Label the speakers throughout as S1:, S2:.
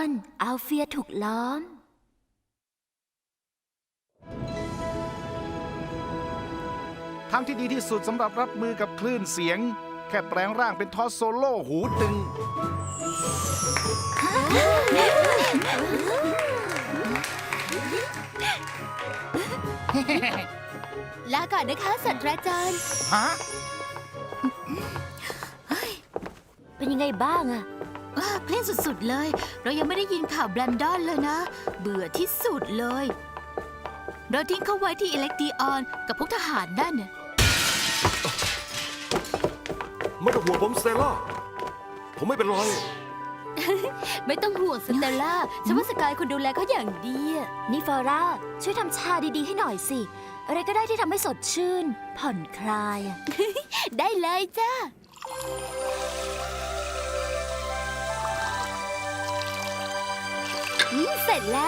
S1: รอัลเฟียถูกล้อม
S2: ทางที่ดีที่สุดสำหรับรับมือกับคลื่นเสียงแค่แปลงร่างเป็นทอสโซโล่หูตึง
S1: ลาก่อนนะคะศาสตราจารย์
S2: ฮะ
S1: เป็นยังไงบ้างอะ
S3: เพลงสุดๆเลย เรายังไม่ได้ยินข่าวแบรนดอนเลยนะ เบื่อที่สุดเลย เราทิ้งเขาไว้ที่อิเล็กตรีออนกับพวกทหารนั่นน่ะ
S4: ไม่ต้องห่วงผมสเตลล่าผมไม่เป็นไร
S1: ไม่ต้องห่วงสเตลล่าฉันว่าสกายคุณดูแลเขาอย่างดีอะนี่ฟอร่าช่วยทำชาดีๆให้หน่อยสิ อะไรก็ได้ที่ทำให้สดชื่น ผ่อนคลายอะ ได้เลยจ้าเสร็จแล้ว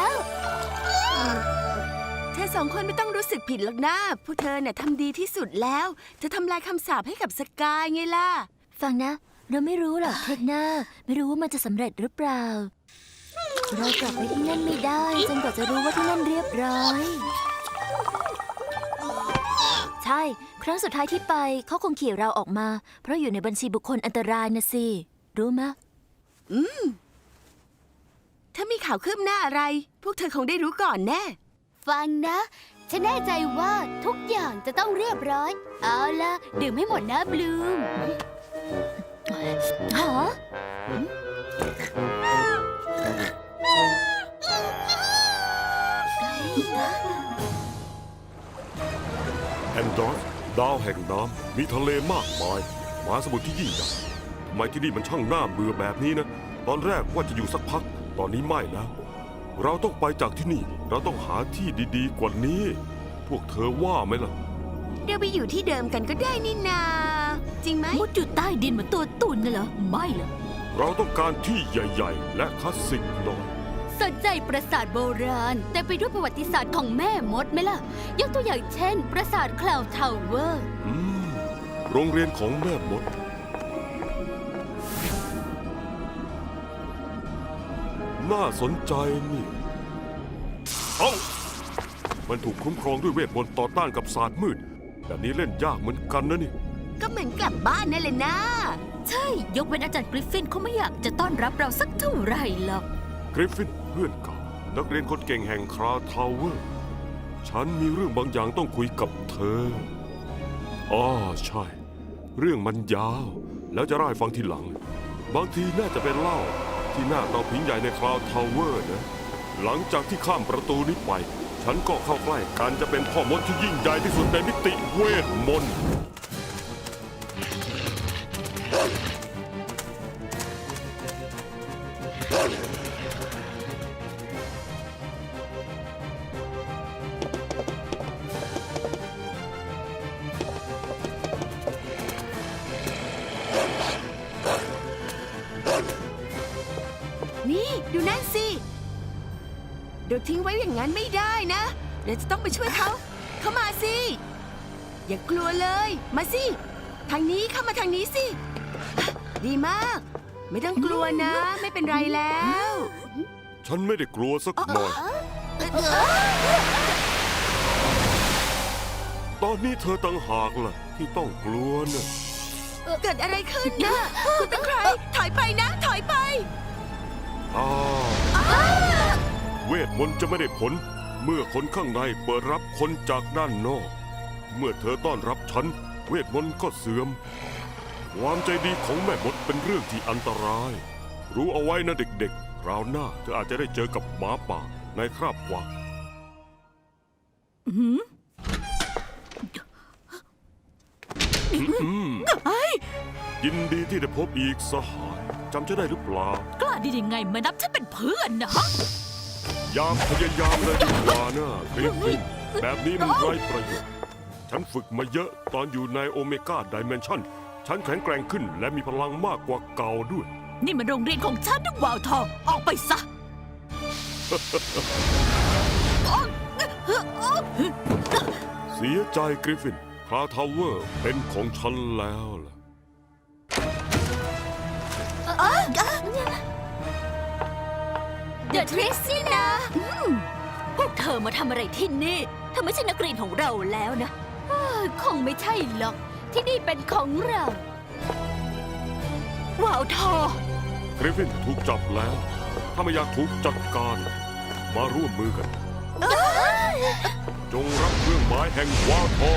S3: เธอสองคนไม่ต้องรู้สึกผิดหรอกนะ พวกเธอเนี่ยทำดีที่สุดแล้วเธอทำลายคำสาปให้กับสกายไงล่ะ
S1: ฟังนะ เราไม่รู้หรอกเทคหน้าไม่รู้ว่ามันจะสำเร็จหรือเปล่า เรากลับไปที่นั่นไม่ได้จนกว่าจะรู้ว่าที่นั่นเรียบร้อย ใช่ ครั้งสุดท้ายที่ไปเขาคงขี่เราออกมา เพราะอยู่ในบัญชีบุคคลอันตรายนะสิ รู้มะ
S3: ถ้ามีข่าวคืบหน้าอะไร พวกเธอคงได้รู้ก่อนแน่
S1: ฟังนะ ฉันแน่ใจว่าทุกอย่างจะต้องเรียบร้อย เอาล่ะ ดื่มให้หมดนะบลูมฮะ
S4: แอนดรอสดาวแห่งน้ำมีทะเลมากมายมหาสมุทรที่ยิ่งใหญ่ทำไมที่นี่มันช่างน่าเบื่อแบบนี้นะ ตอนแรกว่าจะอยู่สักพัก ตอนนี้ไม่แล้ว เราต้องไปจากที่นี่ เราต้องหาที่ดีๆกว่านี้ พวกเธอว่าไหมล่ะ
S3: เดี๋ยวไปอยู่ที่เดิมกันก็ได้นี่นา จริงไหม
S5: มุดอยู่ใต้ดินเหมือนตัวตุ่นน่ะเหรอ ไม่เหรอ
S4: เราต้องการที่ใหญ่ๆ และคลาสสิกหน่อย
S1: สนใจปราสาทโบราณ แต่ไปด้วยประวัติศาสตร์ของแม่มดไหมล่ะ ยกตัวอย่างเช่น ปราสาทคลาวทาวเวอร์
S4: โรงเรียนของแม่มด น่าสนใจนี่ เอ้า มันถูกคุ้มครองด้วยเวทมนต์ต่อต้านกับศาสตร์มืด แบบนี้เล่นยากเหมือนกันนะนี่
S3: ก็เหมือนกลับบ้านนั่นแหละนะ
S5: ใช่ ยกเว้นอาจารย์กริฟฟินเขาไม่อยากจะต้อนรับเราสักเท่าไหร่หรอก
S4: กริฟฟินเพื่อนเก่านักเรียนคนเก่งแห่งคราทาวเวอร์ ฉันมีเรื่องบางอย่างต้องคุยกับเธออ๋อใช่ เรื่องมันยาว แล้วจะเล่าให้ฟังทีหลัง บางทีน่าจะเป็นเล่าที่หน้าเตาผิงใหญ่ในคราทาวเวอร์นะ หลังจากที่ข้ามประตูนี้ไป ฉันก็เข้าใกล้การจะเป็นพ่อมดที่ยิ่งใหญ่ที่สุดในมิติเวทมนต์
S3: นี่ดูนั่นสิ เดี๋ยวทิ้งไว้อย่างนั้นไม่ได้นะ เดี๋ยวจะต้องไปช่วยเขา เข้ามาสิ อย่ากลัวเลย มาสิ ทางนี้เข้ามาทางนี้สิ ดีมาก ไม่ต้องกลัวนะ ไม่เป็นไรแล้ว
S4: ฉันไม่ได้กลัวสักหน่อย ตอนนี้เธอต่างหากล่ะที่ต้องกลัวนะ
S3: เกิดอะไรขึ้นนะ คุณเป็นใคร ถอยไปนะ ถอยไป
S4: เวทมนต์จะไม่ได้ผล เมื่อคนข้างในเปิดรับคนจากด้านนอก เมื่อเธอต้อนรับฉัน เวทมนต์ก็เสื่อม ความใจดีของแม่มดเป็นเรื่องที่อันตราย รู้เอาไว้นะเด็กๆคราวหน้าเธออาจจะได้เจอกับหมาป่าในคราบกวางยินดีที่ได้พบอีกสหายจำจะได้หรือเปล่า
S5: กล้าดียังไงมานับฉันเป็นเพื่อนนะฮะ
S4: ยามพยายามเลยดีกว่านะกริฟฟินแบบนี้มันไร้ประโยชน์ ฉันฝึกมาเยอะตอนอยู่ในโอเมก้าไดเมนชั่น ฉันแข็งแกร่งขึ้นและมีพลังมากกว่าเก่าด้วย
S5: นี่มันโรงเรียนของฉันนะวาวทอง ออกไปซะ
S4: เสียใจกริฟฟินคราทาวเวอร์เป็นของฉันแล้วล่ะ
S3: เ
S1: เดอะทริสนี่นะพวกเธอมาทำอะไรที่นี่เธอไม่ใช่นักเรียนของเราแล้วนะคงไม่ใช่หรอก ที่นี่เป็นของเราว้าวทอก
S4: ริฟฟินถูกจับแล้ว ถ้าไม่อยากถูกจัดการ มาร่วมมือกัน จงรับเครื่องหมายแห่งวาทอ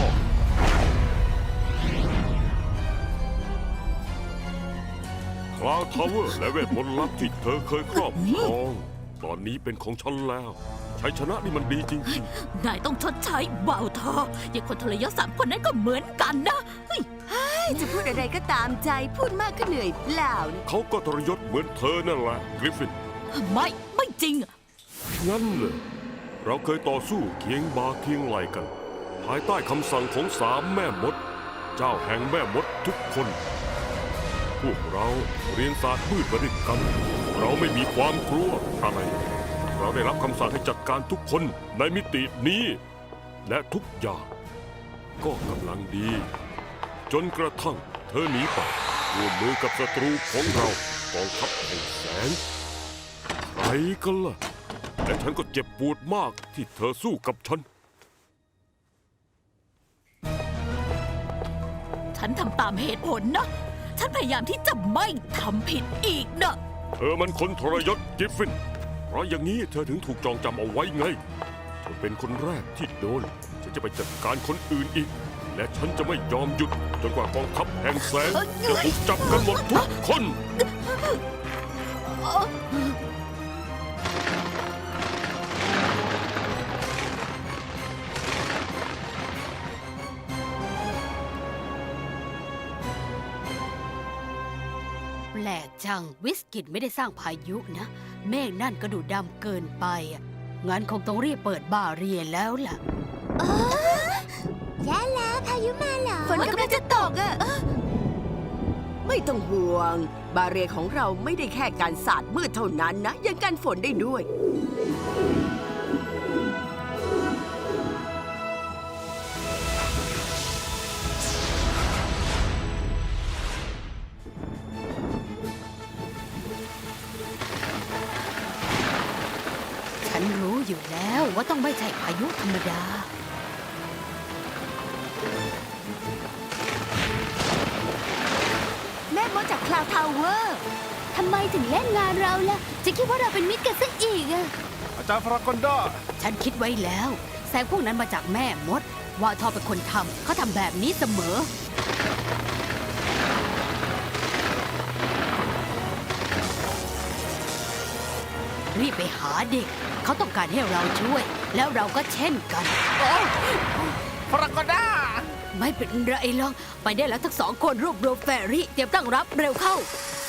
S4: คลาวทาวเวอร์และเวทมนต์ลับที่เธอเคยครอบครอง ตอนนี้เป็นของฉันแล้วชัยชนะนี่มันดีจริง
S5: นายต้องชดใช้ว่าวทออย่างคนทรยศ3 คนนั้นก็เหมือนกันนะเฮ้ย
S3: จะพูดอะไรก็ตามใจพูดมากก็เหนื่อยเปล่านะ
S4: ๆ เขาก็ทรยศเหมือนเธอนั่นแหละกริฟฟิน
S5: ไม่จริง
S4: งั้นเลยเราเคยต่อสู้เคียงบ่าเคียงไหลกัน ภายใต้คำสั่งของ3 แม่มด เจ้าแห่งแม่มดทุกคน พวกเราเรียนศาสตร์มืดมาด้วยกัน เราไม่มีความกลัวอะไร เราได้รับคำสั่งให้จัดการทุกคนในมิตินี้ และทุกอย่างก็กำลังดี จนกระทั่งเธอหนีไปร่วมมือกับศัตรูของเรากองทัพแห่งแสงใครกันล่ะ และฉันก็เจ็บปวดมากที่เธอสู้กับฉัน
S5: ฉันทำตามเหตุผลนะ ฉันพยายามที่จะไม่ทำผิดอีกนะ
S4: เธอมันคนทรยศกริฟฟิน เพราะอย่างนี้เธอถึงถูกจองจำเอาไว้ไง เธอเป็นคนแรกที่โดน ฉันจะไปจัดการคนอื่นอีก และฉันจะไม่ยอมหยุดจนกว่ากองทัพแห่งแสงจะถูกจับกันหมดทุกคน
S5: แปลกจังวิสกิตไม่ได้สร้างพายุนะ เมฆนั่นก็ดูดำเกินไปอะงั้นคงต้องรีบเปิดบาเรียนแล้วล่ะ
S1: แย่แล้วพายุมาเหรอ
S3: ฝนกำลังจะตกอะไม่ต้องห่วง บาเรียของเราไม่ได้แค่การสาดมืดเท่านั้นนะ ยังกันฝนได้ด้วย
S5: ฉันรู้อยู่แล้วว่าต้องไม่ใช่พายุธรรมดา
S3: แม่มดจากคลาวทาวเวอร์
S1: ทำไมถึงเล่นงานเราล่ะ จะคิดว่าเราเป็นมิตรกันซะอีกอะ
S2: อาจารย์ฟรากอนดา
S5: ฉันคิดไว้แล้ว แสงพวกนั้นมาจากแม่มด วาทอเป็นคนทำเขาทำแบบนี้เสมอ รีบไปหาเด็ก เขาต้องการให้เราช่วย แล้วเราก็เช่นกัน
S2: ฟรากอนดา
S5: ไม่เป็นไรหรอก ไปได้แล้วทั้ง2 คนรวบรวมแฟรี่ เตรียมตั้งรับเร็วเข้า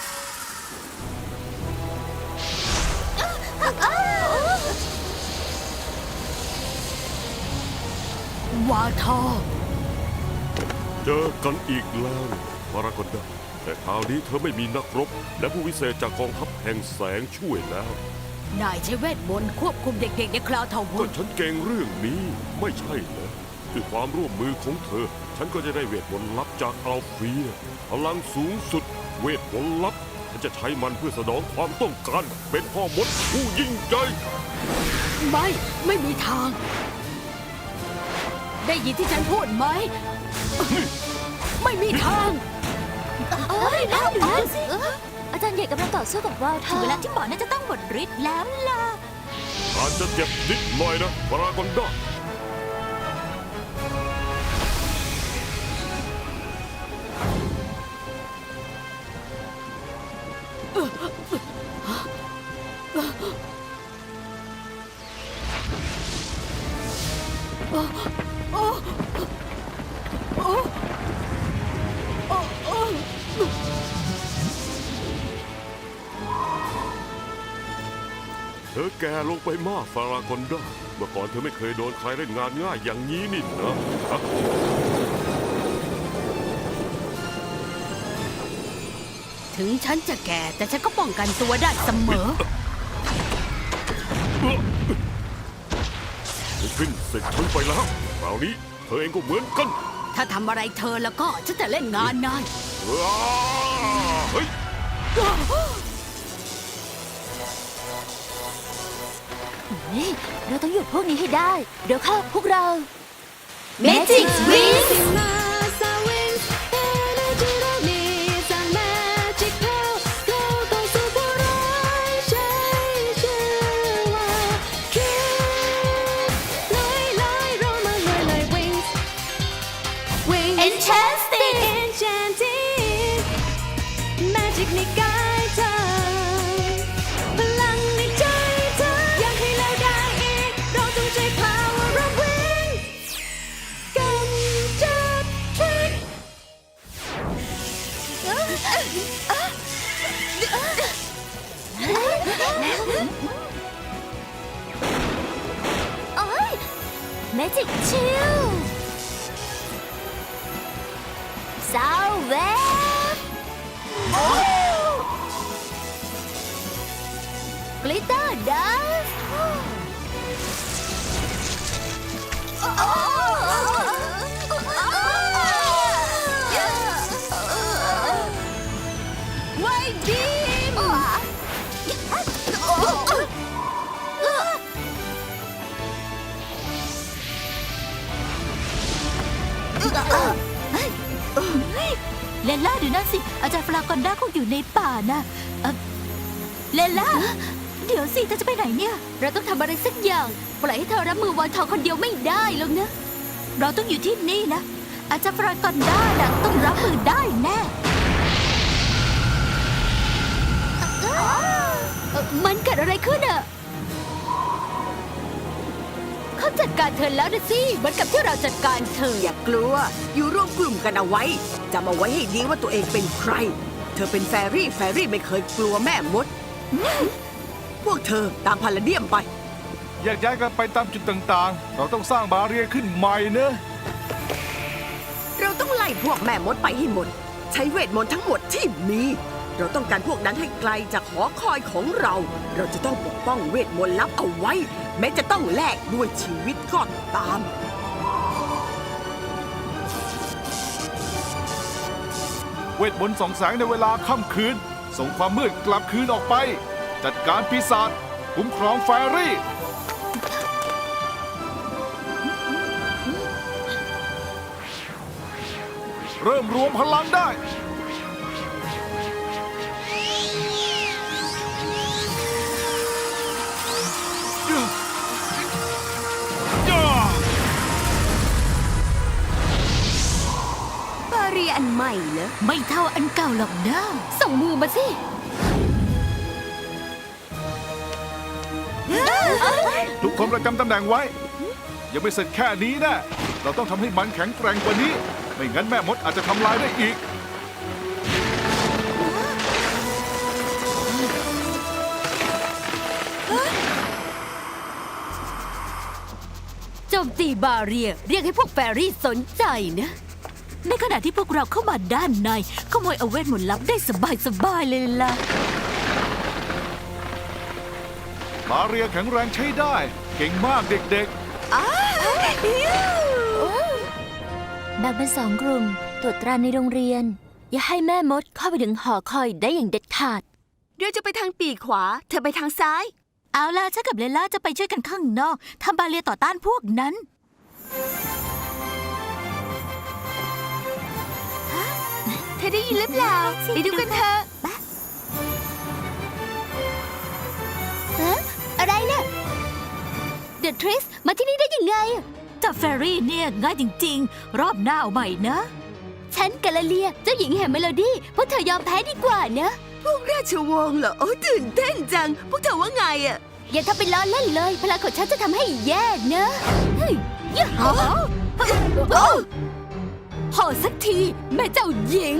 S5: วาทอ
S4: เจอกันอีกแล้วมารากอนดา แต่คราวนี้เธอไม่มีนักรบ และผู้วิเศษจากกองทัพแห่งแสงช่วยแล้ว
S5: นายใช้เวทมนต์ควบคุมเด็กๆในคลาวทาวเว
S4: ก็
S5: อร์
S4: ฉันเก่งเรื่องนี้ไม่ใช่เหรอด้วยความร่วมมือของเธอ ฉันก็จะได้เวทมนต์ลับจากอัลเฟีย พลังสูงสุด เวทมนต์ลับ ฉันจะใช้มันเพื่อสนองความต้องการ เป็นพ่อมดผู้ยิ่งใหญ่
S5: ไม่มีทาง ได้ยินที่ฉันพูดไหม ไม่มีทาง
S1: เอ้ยแล้วดูนั่นสิอาจารย์ใหญ่กำลังต่อสู้กับวาวท
S5: ถึ
S1: อง
S5: เวลาที่หมอน่าจะต้องหมดฤทธิ์แล้วล่ะ
S4: อาจจะเจ็บนิดหน่อยนะพารากอนดา เธอแก่ลงไปมากฟารากอนดา เมื่อก่อนเธอไม่เคยโดนใครเล่นงานง่ายอย่างนี้นี่นะฮะ
S5: ถึงฉันจะแก่แต่ฉันก็ป้องกันตัวได้เสมอ
S4: ขึ้นเสร็จฉันไปแล้วคราวนี้เธอเองก็เหมือนกัน
S5: ถ้าทำอะไรเธอแล้วก็ฉันจะเล่นงานนาย
S4: เฮ้ย
S1: นี่เราต้องหยุดพวกนี้ให้ได้ เดี๋ยวเข้าพวกเรา
S3: Magic Wings
S6: ในกายเธอพลังในใจเธออยากให้เราได้อีกเราต้องใช้ power of wings กำจัดพิษ
S1: โอ้ย Magic Shield ซาวเวฟกลิตเตอร์ดัส
S3: ไว้บีม
S1: เลนล่าดูนั่นสิ อาจารย์ฟลากอนด้าคงอยู่ในป่านะเลนล่า เดี๋ยวสิเธอจะไปไหนเนี่ย เราต้องทำอะไรสักอย่าง ปล่อยให้เธอรับมือวอยทองคนเดียวไม่ได้หรอกนะ เราต้องอยู่ที่นี่นะ อาจารย์ฟลากอนด้าน่ะต้องรับมือได้แน่มันเกิดอะไรขึ้นอะเขาจัดการเธอแล้วนะสิเหมือนกับที่เราจัดการเธอ
S3: อย่ากลัว อยู่ร่วมกลุ่มกันเอาไว้จำเอาไว้ให้ดีว่าตัวเองเป็นใคร เธอเป็นแฟรี่ไม่เคยกลัวแม่มด พวกเธอตามพาลาเดียมไป
S2: แยกย้ายกันไปตามจุดต่างๆ เราต้องสร้างบาเรียร์ขึ้นใหม่เนอะ
S3: เราต้องไล่พวกแม่มดไปให้หมด ใช้เวทมนต์ทั้งหมดที่มี เราต้องการพวกนั้นให้ไกลจากหอคอยของเรา เราจะต้องปกป้องเวทมนต์ลับเอาไว้ แม้จะต้องแลกด้วยชีวิตก็ตาม
S2: เวทมนต์ส่องแสงในเวลาค่ำคืน ส่งความมืดกลับคืนออกไป จัดการปีศาจคุ้มครองแฟรี่ เริ่มรวมพลังได้
S3: บาเรียอันใหม่เหรอ
S1: ไม่เท่าอันเก่าหรอกนะส่งมือมาสิ
S2: ทุกคนประจำตำแหน่งไว้ ยังไม่เสร็จแค่นี้นะ เราต้องทำให้มันแข็งแกร่งกว่านี้ ไม่งั้นแม่มดอาจจะทำลายได้อีก
S5: โจมตีบาเรียเรียกให้พวกแฟรี่สนใจนะ
S1: ในขณะที่พวกเราเข้ามาด้านในขโมยเอาเวทมนต์ลับได้สบายเลยล่ะ
S2: บาเรียร์แข็งแรงใช้ได้ เก่งมากเด็ก
S1: แบ่งเป็นสองกลุ่มตรวจตราในโรงเรียน อย่าให้แม่มดเข้าไปถึงหอคอยได้อย่างเด็ดขาด
S3: เดี๋ยวจะไปทางปีกขวา เธอไปทางซ้าย
S1: เอาล่ะฉันกับเลล่าจะไปช่วยกันข้างนอกทำบาเรียต่อต้านพวกนั้น
S3: เธอได้ยินหรือเปล่าไปดูกันเถอะ
S1: อะไรเนี่ยเดอะทริสมาที่นี่ได้ยังไงจับแฟรี่เนี่ยง่ายจริงๆ รอบหน้าเอาใหม่นะ ฉันกาลาเลียเจ้าหญิงแห่งเมโลดี้พวกเธอยอมแพ้ดีกว่านะ
S3: พวกราชวงศ์เหรอ โอ้ตื่นเต้นจัง พวกเธอว่าไงอะ
S1: อย่าทำเป็นล้อเล่นเลย พลังของฉันจะทำให้แย่นะเฮ้ยยะโอ้พอสักที แม่เจ้าหญิง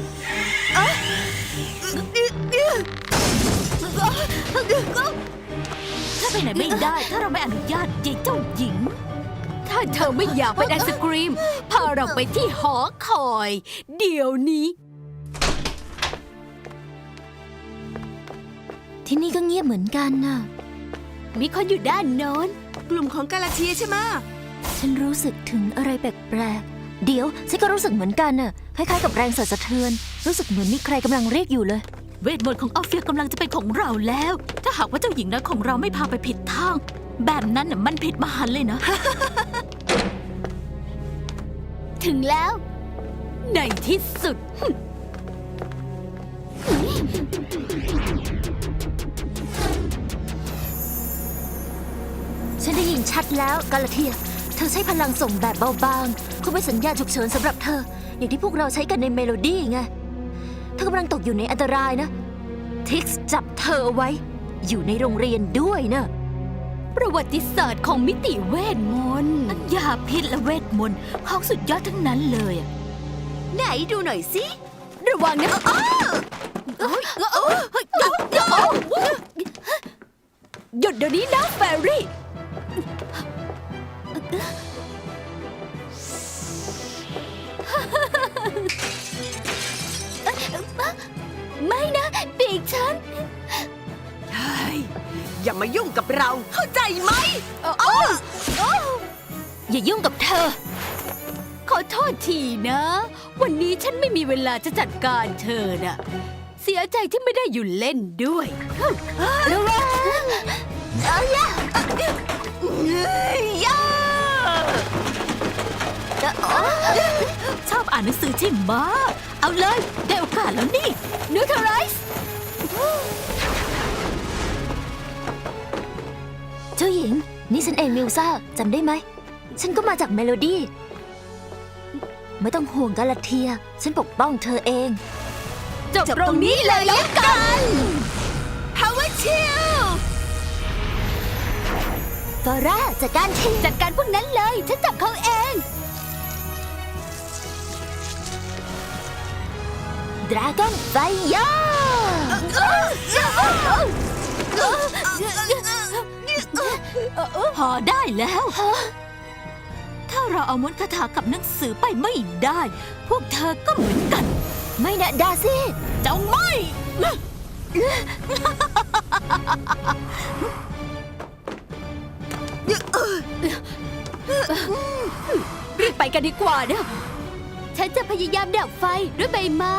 S1: ถ้าไปไหนไม่ได้ ถ้าเราไม่อนุญาตยายเจ้าหญิง
S5: ถ้าเธอไม่อยากเป็นไอศกรีม พาเราไปที่หอคอย เดี๋ยวนี้
S1: ที่นี่ก็เงียบเหมือนกันน่ะ
S5: มีคนอยู่ด้านโน้น
S3: กลุ่มของกาลาเทียใช่ไหมะ
S1: ฉันรู้สึกถึงอะไรแปลกๆ เดี๋ยวฉันก็รู้สึกเหมือนกันน่ะ คล้ายๆกับแรงสั่นสะเทือน รู้สึกเหมือนมีใครกำลังเรียกอยู่เลย เวทมนต์ของออฟเฟียกำลังจะเป็นของเราแล้ว ถ้าหากว่าเจ้าหญิงน้อยของเราไม่พาไปผิดทางแบบนั้นน่ะมันผิดมหันต์เลยนะ
S5: ถึงแล้ว ในที่สุด
S1: ฉันได้ยินชัดแล้วกาลาเทีย เธอใช้พลังส่งแบบเบาบางคงเป็นสัญญาณฉุกเฉินสำหรับเธอ อย่างที่พวกเราใช้กันในเมโลดี้ไง เธอกำลังตกอยู่ในอันตรายนะ ทิกซ์จับเธอเอาไว้ อยู่ในโรงเรียนด้วยนะ
S5: ประวัติศาสตร์ของมิติเวทมนต์
S1: ยาพิษและเวทมนต์ของสุดยอดทั้งนั้นเลยอะ
S3: ไหนดูหน่อยสิ
S5: ระวังนะหยุดเดี๋ยวนี้นะแฟรี่
S1: ไม่นะปีกฉัน
S3: เฮ้ย อย่ามายุ่งกับเรา เข้าใจไหม
S1: อย่ายุ่งกับเธอ
S5: ขอโทษทีนะ วันนี้ฉันไม่มีเวลาจะจัดการเธอน่ะ เสียใจที่ไม่ได้อยู่เล่นด้วย
S1: ระวังเอาละ
S3: ย่า
S1: ชอบอ่านหนังสือใช่ไหมะเอาเลย ได้โอกาสแล้วนี่
S5: นิวเทอร์ไรส์
S1: เจ้าหญิง นี่ฉันเองมิลซ่าจำได้ไหม ฉันก็มาจากเมโลดี้ ไม่ต้องห่วงกาลาเทีย ฉันปกป้องเธอเอง
S5: จบตรงนี้เลยแล้วกัน
S3: Power Chill
S1: ฟอร่าจัดการที
S5: จัดการพวกนั้นเลย ฉันจับเขาเอง
S1: ดราก้อนไฟยาพอได้แล้ว ถ้าเราเอามนต์คาถากับหนังสือไปไม่ได้ พวกเธอก็เหมือนกัน ไม่นะดาซี่เจ้าไม่
S5: รีบไปกันดีกว่านะ ฉันจะพยายามดับไฟด้วยใบไม้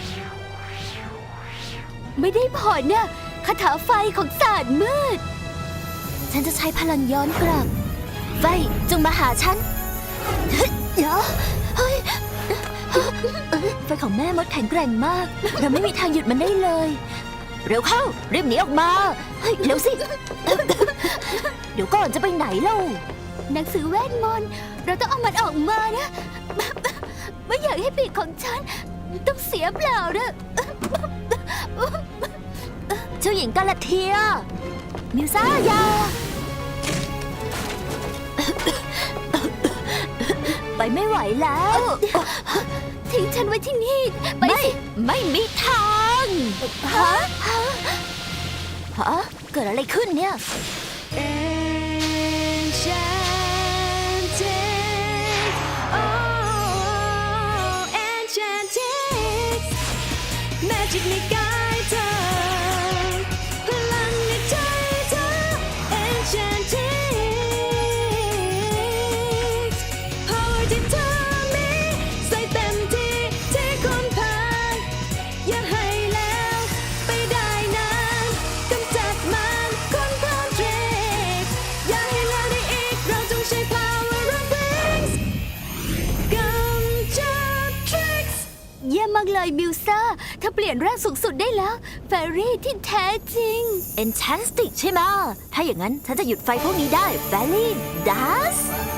S5: ไม่ได้ผลนะคาถาไฟของศาสตร์มืด
S1: ฉันจะใช้พลังย้อนกลับ ไฟจงมาหาฉันเดี๋ยวเฮ้ยไฟของแม่มดแข็งแกร่งมาก เราไม่มีทางหยุดมันได้เลย เร็วเข้ารีบหนีออกมาเฮ้ยเร็วสิ เดี๋ยวก่อนจะไปไหนเล่า
S5: หนังสือเวทมนต์เราต้องเอามันออกมานะ ไม่อยากให้ปีกของฉัน ต้องเสียเปล่านะ
S1: เจ้าหญิงกาลาเทีย มิวซ่ายา ไปไม่ไหวแล้ว
S5: ทิ้งฉันไว้ที่นี่ ไป
S1: ไม่
S5: สิ
S1: ไม่มีทางฮะเกิดอะไรขึ้นเนี่ย
S6: Enchanted oh enchanted magic ในกายเธอพลังในใจเธอ enchanted power ที่เธอมีใส่เต็มที่ที่คนผ่านอย่าให้แล้วไปได้นานกำจัดมันคนพร้อม trick อย่าให้แล้วได้อีกเราจงใช้ power of wings กำจัด tricks
S5: เยี่ยมมากเลยมิวซ่าเธอเปลี่ยนร่างสูงสุดได้แล้ว แฟรี่ที่แท้จริง
S1: Enchantic ใช่ไหมะถ้าอย่างนั้นฉันจะหยุดไฟพวกนี้ได้ Valley Das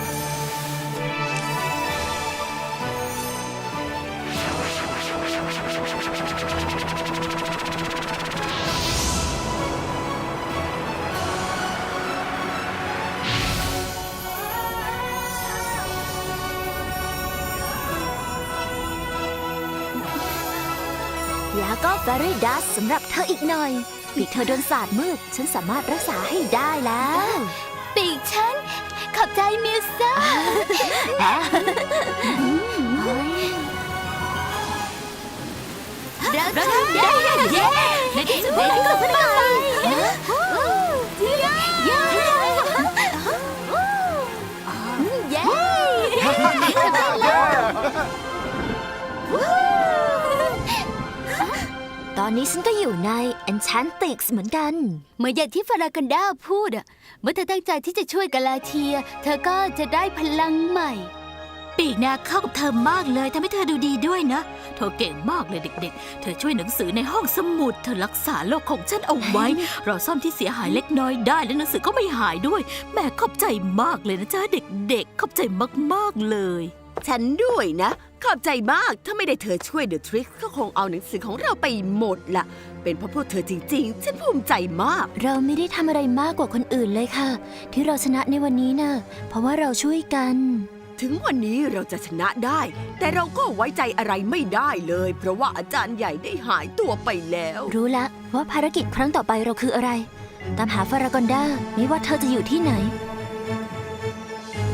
S1: แล้วก็ Fairy Dust สำหรับเธออีกหน่อย ปีกเธอโดนสาดมืด ฉันสามารถรักษาให้ได้แล้ว
S5: ปีกฉัน ขอบใจมิวซ่า
S1: เราทำได้เย้ในที่สุดได้ก็ไปเย้ตอนอนนี้ฉันก็อยู่ใน Enchantrix เหมือนกัน
S5: เหมือนอย่างที่ฟารากันดาพูดอะเมื่อเธอตั้งใจที่จะช่วยกาลาเทีย เธอก็จะได้พลังใหม่
S1: ปีกนาเข้ากับเธอมากเลยทำให้เธอดูดีด้วยนะ เธอเก่งมากเลยเด็กๆ เธอช่วยหนังสือในห้องสมุด เธอรักษาโลกของฉันเอาไว้ เราซ่อมที่เสียหายเล็กน้อยได้และหนังสือก็ไม่หายด้วย แม่ขอบใจมากเลยนะจ๊ะเด็กๆ ขอบใจมากๆเลย
S3: ฉันด้วยนะ ขอบใจมาก ถ้าไม่ได้เธอช่วยเดอะทริกก็คงเอาหนังสือของเราไปหมดละเป็นเพราะพวกเธอจริงๆ ฉันภูมิใจมาก
S1: เราไม่ได้ทำอะไรมากกว่าคนอื่นเลยค่ะ ที่เราชนะในวันนี้นะเพราะว่าเราช่วยกัน
S3: ถึงวันนี้เราจะชนะได้ แต่เราก็ไว้ใจอะไรไม่ได้เลย เพราะว่าอาจารย์ใหญ่ได้หายตัวไปแล้ว
S1: รู้ละว่าภารกิจครั้งต่อไปเราคืออะไร ตามหาฟารากอนดาไม่ว่าเธอจะอยู่ที่ไหน